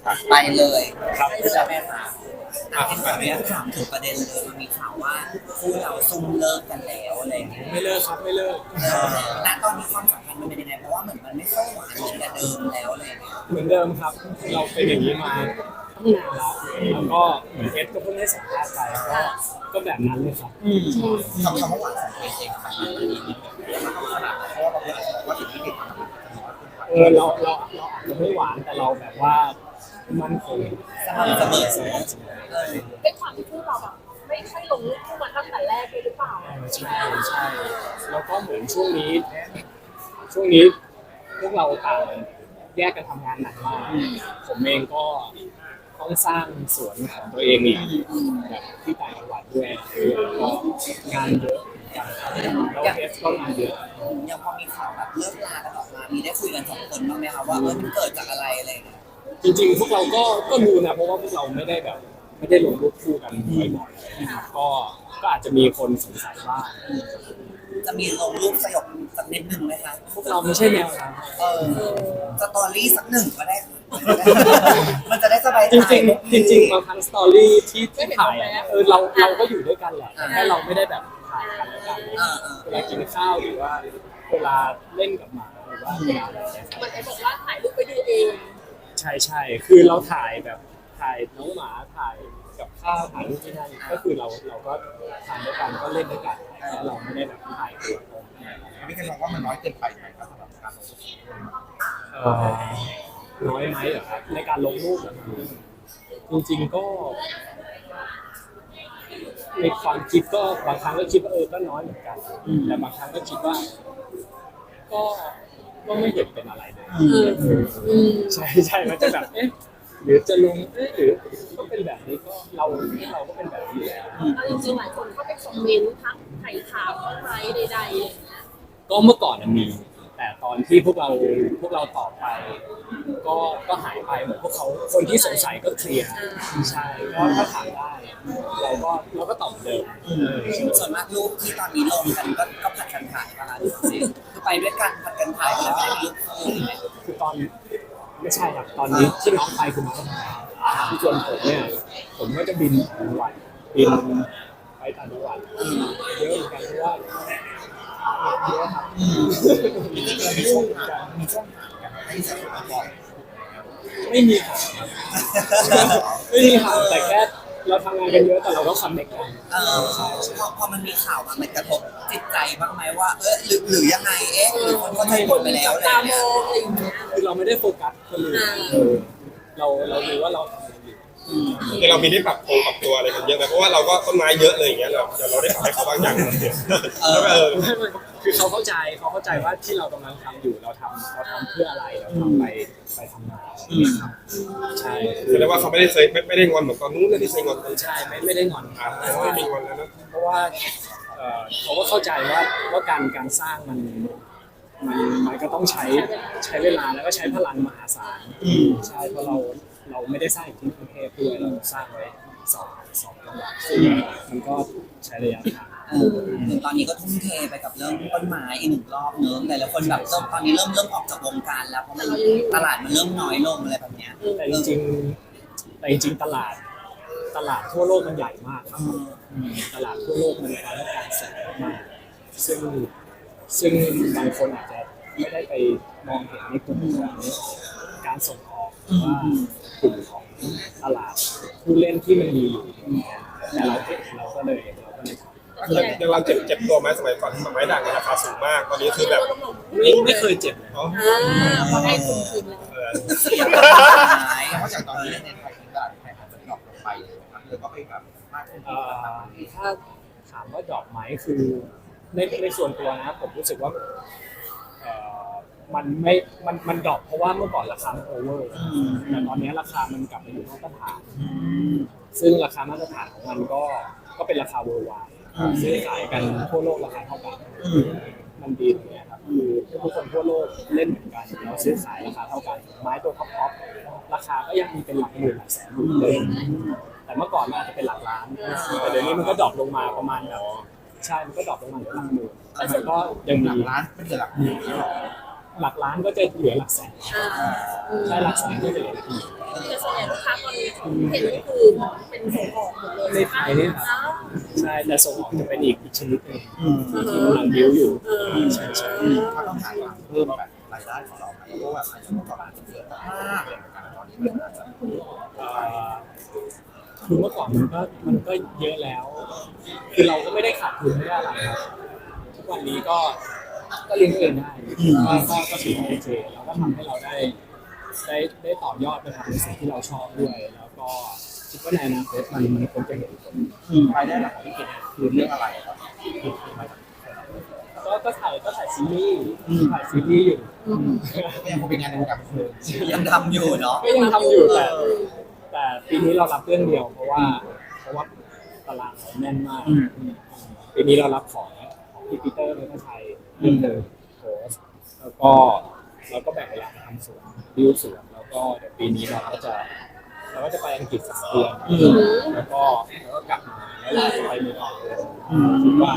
ไปเลยครับใช่ไหมคะเห็นแบบนี้ถามถึงประเด็นเลยมันมีข่าวว่าคู่เราซุ่มเลิกกันแล้วอะไรอย่างเงี้ยไม่เลิกครับไม่เลิกณตอนนี้ความสัมพันธ์มันเป็นยังไงเพราะว่าเหมือนมันไม่ค่อยหวานเหมือนแต่เดิมแล้วอะไรอย่างเงี้ยเหมือนเดิมครับ เราเป็นอย่างนี้มาตั้งนานแล้วแล้วก็เหมือนเอสก็เพิ่งได้สัมภาษณ์ไปก็แบบนั้นเลยครับคำว่าหวานของตัวเองมันดีมันต้องขนาดไหนเพราะว่าบางคนอาจจะบอกว่าสิ่งที่เด็กทำมันน้อยเกินไปเราอาจจะไม่หวานแต่เราแบบว่ามันคงสม่ำเสมอเป็นความที่คู่เราแบบไม่ใช่ลงรูปคู่มาตั้งแต่แรกเลยหรือเปล่าใช่ใช่แล้วก็เหมือนช่วงนี้พวกเราต่างแยกกันทำงานหนักมากผมเองก็ต้องสร้างสวนของตัวเองอีกแบบที่ต่างจังหวัดด้วยก็งานเยอะแล้วเอสก็งานเยอะยังพอมีข่าวแบบเลิกลากันออกมามีได้คุยกันสองคนบ้างไหมคะว่ามันเกิดจากอะไรอะไรอย่างเงี้ยจริงๆพวกเราก็รู้นะเพราะว่าพวกเราไม่ได้ลงรูปคู่กันบ่อยๆนะครับก็อาจจะมีคนสงสัยบ้างจะมีลงรูปสยบสักนิดหนึ่งไหมคะพวกเราไม่ใช่แนวนั้นสตอรี่สักหนึ่งก็ได้มันจะได้สบายใจจริงๆบางครั้งสตอรี่ที่ถ่ายอะเราก็อยู่ด้วยกันแหละแต่แค่เราไม่ได้แบบถ่ายกันแล้วกันเวลากินข้าวหรือว่าเวลาเล่นกับหมาหรือว่าเวลาอะไรอย่างเงี้ยมันไอ้บอกว่าถ่ายรูปไปดูเองใช่คือเราถ่ายแบบถ่ายน้องหมาถ่ายกับข้าวถ่ายรูปที่นั่นก็คือเราก็ทำด้วยกันก็เล่นด้วยกันแต่เราไม่ได้แบบถ่ายตัวตรงพี่กันมองว่ามันน้อยเกินไปไหมครับสำหรับการลงทุนน้อยไหมเหรอครับในการลงรูปจริงๆก็ในความคิดก็บางครั้งก็คิดว่าก็น้อยเหมือนกันแต่บางครั้งก็คิดว่าก็ไม่เห็นเป็นอะไรเลยใช่มันจะแบบหรือจะลงหรือก็เป็นแบบนี้ก็เราก็เป็นแบบนี้แล้วจริงๆหลายคนก็ไปคอมเมนต์ทักไถ่ถามว่าไหมใดๆอะไรอย่างเงี้ยก็เมื่อก่อนมีแต่ตอนที่พวกเราตอบไปก็หายไปเหมือนพวกเขาคนที่สงสัยก็เคลียร์ใช่ก็ถ้าถามได้เราก็ตอบเหมือนเดิมส่วนมากรูปที่ตอนนี้ลงกันก็ผัดกันถ่ายป่ะคะคือไปด้วยกันผัดกันถ่ายแล้วไม่ได้รูปคู่คือตอนไม่ใช่ครับตอนนี้ที่น้องไปคือน้องทำงานที่ส่วนผมเนี่ยผมก็จะบินต่างจังหวัดบินไปต่างจังหวัดเยอะเหมือนกันเพราะว่าเยอะครับมีช่วงห่างกันไม่ใช่บ่อยไม่มีค่ะไม่มีค่ะแต่แค่เราทำงานกันเยอะแต่เราก็คอนเนคกันพอมันมีข่าวมันกระทบจิตใจบ้างไหมว่าหรือยังไงหรือคนเข้าใจผิดไปแล้วอะไรตามเงี้อย งอะไรอย่างเงี้ยคือเราไม่ได้โฟกัสคนอื่นเรารู้ว่าเราทำอะไรอยู่คือเรามีได้ปรับตัวอะไรกันเยอะไหมเพราะว่าเราก็ต้นไม้เยอะเลยอย่างเงี้ยเราได้ปรับให้เขาบ้างอย่างแล้วก็คือเขาเข้าใจว่าที่เรากำลังทำอยู่เราทำเพื่ออะไรเราทำไปทำงานใช่แสดงว่าเขาไม่ได้งอนเหมือนตอนนู้นเลยที่เคยงอนกันใช่ไม่ได้งอนไม่มีงอนแล้วนะเพราะว่าเขาก็เข้าใจว่าการสร้างมันก็ต้องใช้เวลาแล้วก็ใช้พลังมหาศาลใช่เพราะเราไม่ได้สร้างอยู่ที่กรุงเทพด้วยเราสร้างไว้สองจังหวัดซึ่งมันก็ใช้ระยะทางตอนนี้ก็ทุ่มเทไปกับเรื่องต้นไม้อีกหนึ่งรอบเนื้อหลายๆคนแบบตอนนี้เริ่มออกจากวงการแล้วเพราะมันตลาดมันเริ่มน้อยลงอะไรแบบเนี้ยแต่จริงตลาดทั่วโลกมันใหญ่มากครับตลาดทั่วโลกมันมีความต้องการสูงมากซึ่งบางคนอาจจะไม่ได้ไปมองเห็นในกลุ่มของการส่งออกหรือว่ากลุ่มของตลาดผู้เล่นที่มันมีอยู่แต่เราเห็นเราก็เลยทำยังเราเจ็บตัวไหมสมัยก่อนที่ไม้ด่างราคาสูงมากตอนนี้คือแบบไม่เคยเจ็บเลยพอได้ทุนคืนแล้วเพราะจากตอนนี้ในไทยตลาดไทยอาจจะดรอปลงไปเลยนะครับเลยก็ไปแบบมากขึ้นถ้าถามว่าดรอปไหมคือในส่วนตัวนะผมรู้สึกว่ามันดรอปเพราะว่าเมื่อก่อนราคามันโอเวอร์แต่ตอนนี้ราคามันกลับมาอยู่มาตรฐานซึ่งราคามาตรฐานของมันก็เป็นราคา worldwide ซื้อขายกันทั่วโลกราคาเท่ากันมันดีตรงนี้ครับคือทุกคนทั่วโลกเล่นเหมือนกันเราซื้อขายราคาเท่ากันไม้ตัวท็อปราคาก็ยังมีเป็นหลักหมื่นหลักแสนอยู่เลยแต่เมื่อก่อนมันอาจจะเป็นหลักล้านแต่เดี๋ยวนี้มันก็ดรอปลงมาประมาณแบบใช่มันก็ดรอปลงมาเหลือหลักหมื่นแต่มันก็ยังมีร้านเป็นหลักหมื่นหรอหลักล้านก็จะเหลือหลักแสนใช่หลักแสนก็จะเหลือหลักหมื่นแต่ส่วนใหญ่เห็นก็คือเป็นส่งออกหมดเลยในไทยเนี่ยครับอ้าวใช่แต่ส่งออกจะเป็นอีกชนิดหนึงอืมที่กำลังบิ้วอยู่ใช่ใช่ก็ต้องหาทางเพิ่มแบบรายได้ของเราไหมเพราะว่าอาจจะเมื่อก่อนอาจจะเยอะมากเลยเหมือนกันตอนนี้มันอาจจะเอ่อคือเมื่อก่อนมันก็เยอะแล้ว คือเราก็ไม่ได้ขาดทุนไม่ได้อะไรครับทุกวันนี้ก็เลี้ยงตัวเองได้ก็ถือว่าโอเคแล้วก็ทำให้เราได้ต่อยอดไปทำในสิ่งที่เราชอบด้วย แล้วก็คิดว่าในอนาคตมันคงจะเห็นผลรายได้หลักของพี่เกดคือเรื่องอะไรครับก็ถ่ายซีรีส์ถ่ายซีรีส์อยู่ก็ยังคงเป็นงานในวงการบันเทิงยังทำอยู่เนาะก็ยังทำอยู่แต่ปีนี้เรารับเรื่องเดียวเพราะว่าตารางเราแน่นมากปีนี้เรารับของพี่ปีเตอร์เนธชัยเรื่องเดิมโพสแล้วก็แบ่งเวลาทำสวนดิวสวนแล้วก็เดี๋ยวปีนี้เราก็จะไปอังกฤษ3 เดือนแล้วก็กลับมาแล้วเราจะไปเมืองนอกเลยคิดว่า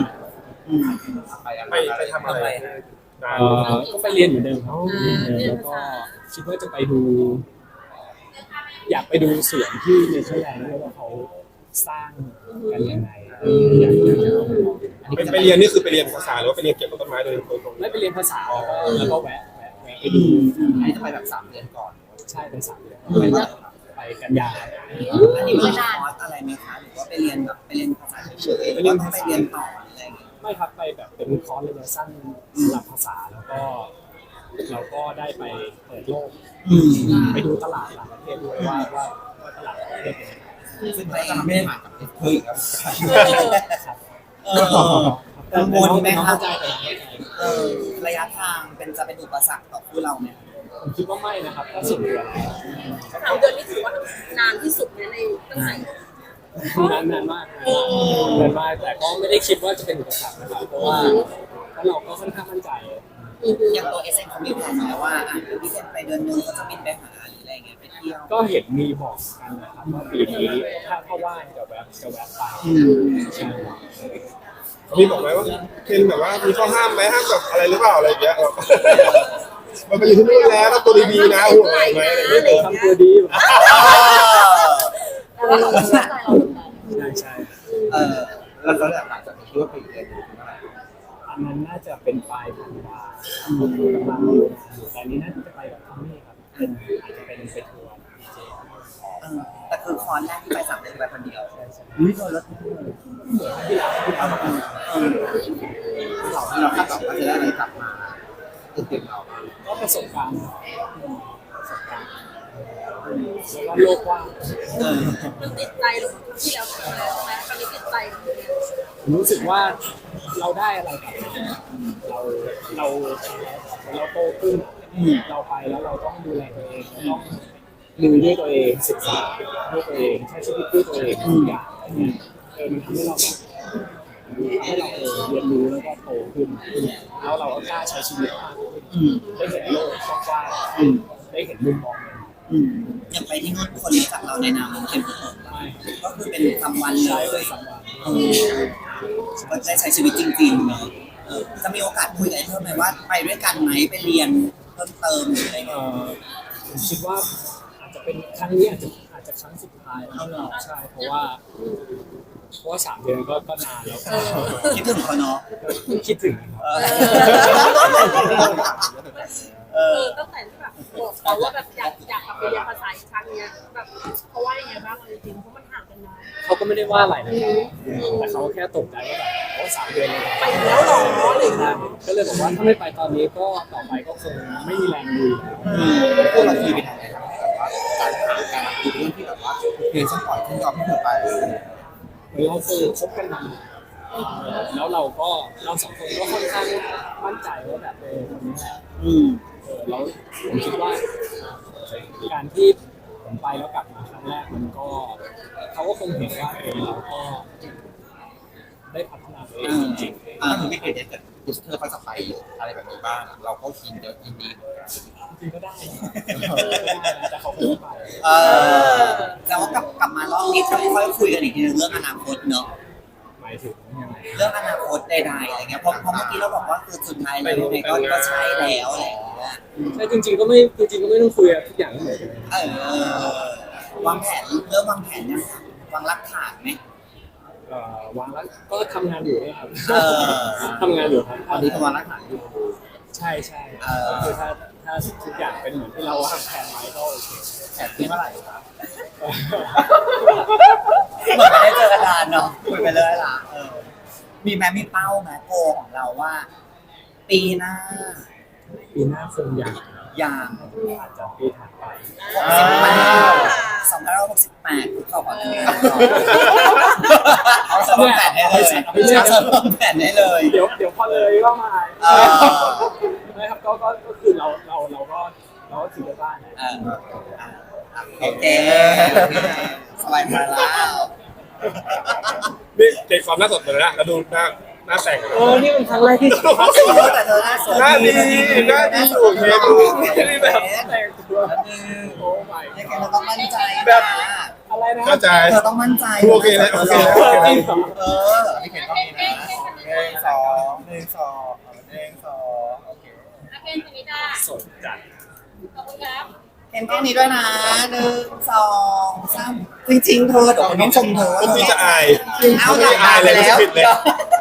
ไปทำอะไรนานก็ไปเรียนอยู่เดิมเขาแล้วก็คิดว่าจะไปดู อยากไปดูสวนที่เนเธอร์แลนด์ด้วยว่าเขาสร้างกันยังไงอยากจะเอาไปลองไปเรียนนี่คือไปเรียนภาษาหรือว่าไปเรียนเกี่ยวกับต้นไม้โดยตรงไม่ไปเรียนภาษาแล้วก็แวะไปดูอันนี้จะไปแบบ3 เดือนก่อนใช่เป็น3 เดือนไปว่าไปกันยาอันนี้มีคอร์สอะไรไหมคะหรือว่าไปเรียนแบบไปเรียนภาษาเฉยๆหรือว่าไปเรียนต่อหรืออะไรอย่างเงี้ยไม่ครับไปแบบเป็นคอร์สระยะสั้นสำหรับภาษาแล้วก็เราก็ได้ไปเปิดโลกไปดูตลาดต่างประเทศด้วยว่าตลาดต่างประเทศเป็นยังไงซึ่งเราจะทำไม่ได้ผ่านกับเพื่อนครับครับกังวลไหมน้องคะเข้าใจแต่น้องเข้าใจระยะทางจะเป็นอุปสรรคต่อคู่เราไหมผมคิดว่าไม่นะครับถ้าสุดเดือน 3 เดือนนี่ถือว่านานที่สุดในตั้งแต่นานมากแต่ก็ไม่ได้คิดว่าจะเป็นอุปสรรคนะครับเพราะว่าเราก็ค่อนข้างมั่นใจอย่างตัวเอเซนเขามีแผนไหมว่าเดี๋ยวพี่เซนไปเดือนนึงก็จะบินไปหาหรืออะไรเงี้ยไปเที่ยวก็เห็นมีบอกกันนะครับว่าปีนี้ถ้าว่างจะแวะไปใช่ๆมีบอกไหมว่าเคนแบบว่ามีข้อห้ามไหมห้ามแบบอะไรหรือเปล่าอะไรอย่างเงี้ยมันไปอยู่ที่นู่นแล้วต้องตัวดีๆนะห่วงอะไรไหมทำตัวดีอยู่แต่ว่าเราไม่ใช่ใจเราเหมือนกันใช่แล้วหลังจากนี้คิดว่าไปเรียนอยู่เมื่อไหร่อันนั้นน่าจะเป็นปลายธันวาผมกำลังอยู่แต่อันนี้น่าจะไปกับทอมมี่ครับอาจจะเป็นไปทัวร์ดีเจแต่คือคอนแรกที่ไป3 เดือนไปคนเดียวอุ้ยโดนรถที่เราคาดหวังว่าจะได้อะไรกลับมาตื่นเราก็ประสบการณ์แล้วก็โลกกว้างมันติดใจลงที่แล้วใช่ไหมตอนนี้ติดใจผมรู้สึกว่าเราได้อะไรกลับมาเราโตขึ้นเราไปแล้วเราต้องดูแลตัวเองเราต้องดูด้วยตัวเองศึกษาด้วยตัวเองใช้ชีวิตด้วยตัวเองทุกอย่างมันทำให้เราแบบให้เราเรียนรู้แล้วก็โตขึ้นแล้วเราก็กล้าใช้ชีวิตมากขึ้นได้เห็นโลกกว้างได้เห็นมุมมองใหม่อย่างไปที่นู่นคนรู้จักเราในนามของเข็มผมก็คือเป็นคำวันเลใช้ยเลยสำหรับก็ได้ใช้ชีวิตจริงๆเนาะจะมีโอกาสคุยกันเพิ่มไหมว่าไปด้วยกันไหมไปเรียนเพิ่มเติมหรืออะไรเงี้ยผมคิดว่าอาจจะเป็นครั้งนี้อาจจะครั้งสุดท้ายแล้วใช่เพราะว่า3 เดือนก็นานแล้วคิดถึงเขาเนาะคิดถึงนะครับตั้งแต่ที่แบบบอกเขาว่าแบบอยากกลับไปเรียนภาษาอีกครั้งเนี้ยแบบเขาว่ายังไงบ้างจริงๆเพราะมันห่างกันนานเขาก็ไม่ได้ว่าอะไรนะครับแต่เขาแค่ตกใจว่าแบบโอ้3 เดือนเลยไปแล้วหรออะไรอย่างเงี้ยก็เลยบอกว่าถ้าไม่ไปตอนนี้ก็ต่อไปก็คงไม่มีแรงดูแล้วพวกเราทีเป็นอะไรครับแบบว่าการหาการดูเรื่องที่แบบว่าเพลงสปอร์ตที่ยอมให้เธอไปเราเคยคบกันมาแล้วเรา2 คนก็ค่อนข้างมั่นใจว่าแบบคนนี้แหละแล้วผมคิดว่าการที่ผมไปแล้วกลับมาครั้งแรกมันก็เขาก็คงเห็นว่าเราก็ได้พัฒนาตัวเองจริงถ้าถึงไม่เกิดเกิดยูสเตอร์เขาจะไปอะไรแบบนี้บ้างเราก็ยินเยอะยินดีๆจริงก็ได้นะแต่เขาคงไม่ไปแต่ว่ากลับมารอบนี้จะค่อยคุยกันอีกทีนึงเรื่องอนาคตเนาะหมายถึงยังไงเรื่องอนาคตใดๆอะไรเงี้ยเพราะเมื่อกี้เราบอกว่าคือสุดท้ายแล้วยังไงก็ใช่แล้วอะไรอย่างเงี้ยใช่จริงๆก็ไม่ต้องคุยอะทุกอย่างก็เหมือนกันเออวางแผนเริ่มวางแผนยังคะวางรากฐานไหมวางแล้วก็ทำงานอยู่เนี่ยครับเออทำงานอยู่ครับตอนนี้กำลังรักษาอยู่ใช่ใช่ก็คือถ้าทุกอย่างเป็นเหมือนที่เราวางแผนไว้ก็โอเคแอบคิดเมื่อไหร่ครับเหมือนไม่ได้เจอกันนานเนาะคุยไปเลยล่ะมีแม้มีเป้าแม้โกของเราว่า ปีหน้าปีหน้าคงอยากอย่างอาจจะปีถัดไป 2568คุกเข่าขอแต่งงานเอาสมแผนให้เลยเอาสมแผนให้เลยเดี๋ยวพอเลยก็มาเออไม่ครับก็คือเราก็ถือได้บ้านนะโอเคสบายใจแล้วนี่เด็กความน่าสดเลยนะแล้วดูหน้าแต่งกันนี่เป็นครั้งแรกที่แต่เธอหน้าสวยหน้าดีหน้าดีอยู่เคดูนี่แบบแต่งตัวโอ้ my ยังไงเราต้องมั่นใจอะไรนะเข้าใจเธอต้องมั่นใจโอเคแล้วโอเคแล้วโอเคแล้วเออไม่เห็นก็มีนะ1 2 1 2 1 2โอเคอาเคนชนิดาสดจัดขอบคุณครับเห็นแค่นี้ด้วยนะ1 2 3จริงๆเธอเดี๋ยวคนต้องชมเธอคนที่จะอายเอาไม่อายเลยไม่ผิดเลย